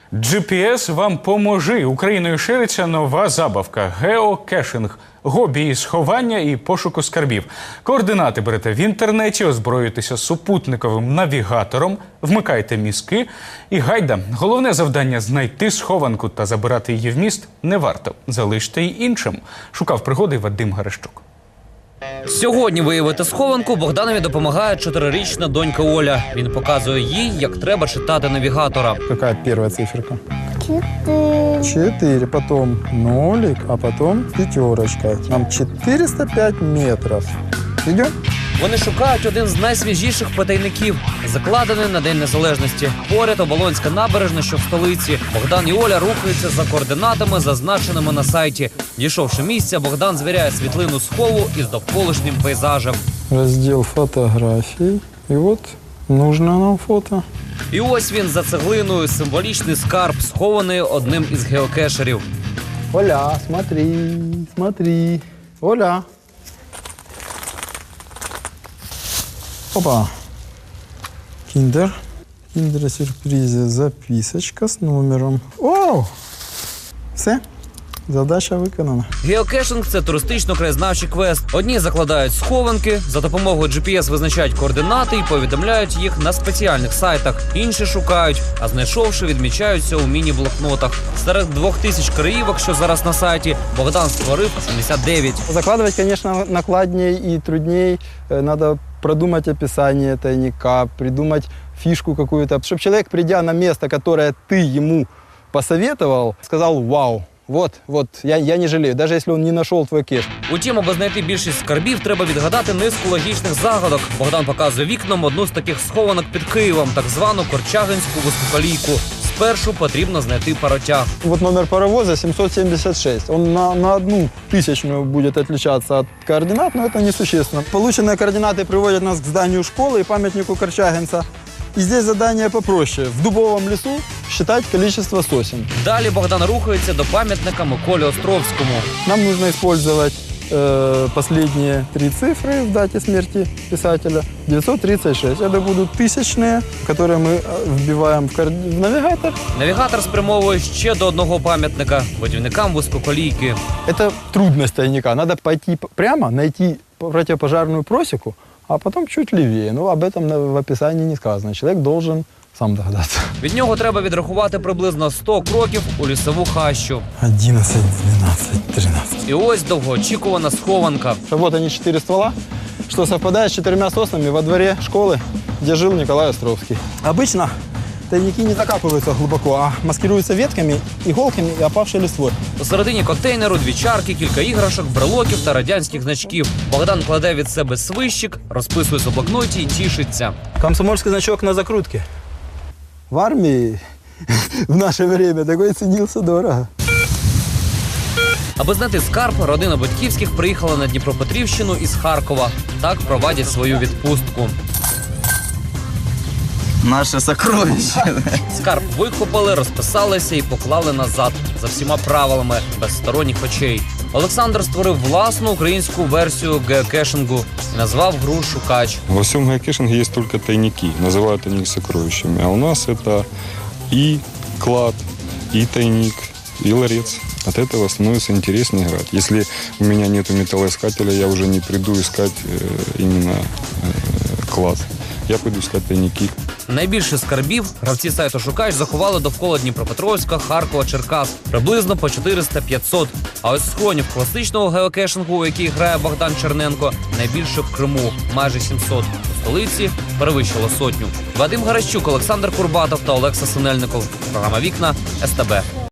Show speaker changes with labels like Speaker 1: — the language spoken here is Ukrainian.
Speaker 1: GPS вам поможе. Україною шириться нова забавка – геокешинг. Хобі із сховання і пошуку скарбів. Координати берете в інтернеті, озброюєтеся супутниковим навігатором, вмикайте мізки і гайда. Головне завдання – знайти схованку та забирати її в міст не варто. Залиште й іншим. Шукав пригоди Вадим Гарещук.
Speaker 2: Сьогодні виявити схованку Богданові допомагає 4-річна донька Оля. Він показує їй, як треба читати навігатора.
Speaker 3: Какая первая циферка?
Speaker 4: 4.
Speaker 3: 4, потом нолик, а потом пятерочка. Нам 405 метров. Идем?
Speaker 2: Вони шукають один з найсвіжіших потайників, закладений на День Незалежності. Поряд Оболонська набережна, що в столиці. Богдан і Оля рухаються за координатами, зазначеними на сайті. Дійшовши місця, Богдан звіряє світлину схову із довколишнім пейзажем.
Speaker 3: Раздел фотографий. И вот нужно нам фото.
Speaker 2: І ось він за цеглиною, символічний скарб, схований одним із геокешерів.
Speaker 3: Оля, смотри, смотри. Оля. Опа. Киндер. Киндер-сюрпризе. Записочка с номером. Вау! Все. Задача виконана.
Speaker 2: Геокешинг – це туристично-краєзнавчий квест. Одні закладають схованки, за допомогою GPS визначають координати і повідомляють їх на спеціальних сайтах. Інші шукають, а знайшовши, відмічаються у міні-блокнотах. Серед 2000 краївок, що зараз на сайті, Богдан створив 79.
Speaker 3: Закладывать, конечно, накладнее и трудней. Надо продумать описание тайника, придумать фишку какую-то, чтобы человек, придя на место, которое ты ему посоветовал, сказал «Вау». Вот, я не жалею, даже если он не нашел твой кеш.
Speaker 2: Утім, аби знайти більшість скарбів, треба відгадати низку логічних загадок. Богдан показує вікном одну з таких схованок під Києвом, так звану Корчагинську вузькоколійку. Спершу потрібно знайти паротяг.
Speaker 3: Вот номер паровоза 776. Он на 1/1000 будет отличаться от координат, но это несущественно. Полученные координаты приводят нас к зданию школы и памятнику Корчагинца. И здесь задание попроще. В дубовом лесу считать количество сосен.
Speaker 2: Далі Богдан рухається до пам'ятника Миколі Островському.
Speaker 3: Нам нужно использовать последние 3 цифры в дате смерти писателя. 936. Это будут тысячные, которые мы вбиваем в навигатор.
Speaker 2: Навігатор спрямовує ще до одного пам'ятника – будівникам вузькоколійки.
Speaker 3: Это трудность тайника. Надо пойти прямо, найти противопожарную просеку, а потом чуть левее. Ну, об этом в описании не сказано. Человек должен сам догадаться.
Speaker 2: Від нього треба відрахувати приблизно 100 кроків у лісову хащу.
Speaker 3: 11, 12, 13.
Speaker 2: І ось довгоочікувана схованка.
Speaker 3: Вот они 4 ствола, что совпадает с 4 соснами во дворе школы, где жил Николай Островский. Обычно тайники не закапываются глубоко, а маскируются ветками, иголками и опавшей листвой.
Speaker 2: Посередині контейнеру 2 чарки, кілька іграшок, брелоків та радянських значків. Богдан кладе від себе свищик, розписує у блокноті і тішиться.
Speaker 3: Комсомольский значок на закрутке. В армии в наше время такой ценился дорого.
Speaker 2: Аби знайти скарб, родина Батьківських приїхала на Дніпропетрівщину із Харкова. Так проводять свою відпустку.
Speaker 5: Наше сокровище.
Speaker 2: Скарб викопали, розписалися і поклали назад. За всіма правилами, без сторонніх очей. Олександр створив власну українську версію геокешингу і назвав гру «Шукач».
Speaker 6: Во всем геокешинге есть только тайники. Называют они их сокровищами. А у нас это и клад, и тайник, и ларец. От этого становится интереснее играть. Если у меня нет металлоискателя, я уже не приду искать именно клад. Я пойду искать тайники.
Speaker 2: Найбільше скарбів гравці сайту «Шукач» заховали довкола Дніпропетровська, Харкова, Черкас. Приблизно по 400-500. А ось схронів класичного геокешингу, у який грає Богдан Черненко, найбільше в Криму – майже 700. У столиці перевищило 100. Вадим Гарещук, Олександр Курбатов та Олекса Синельников. Програма «Вікна», СТБ.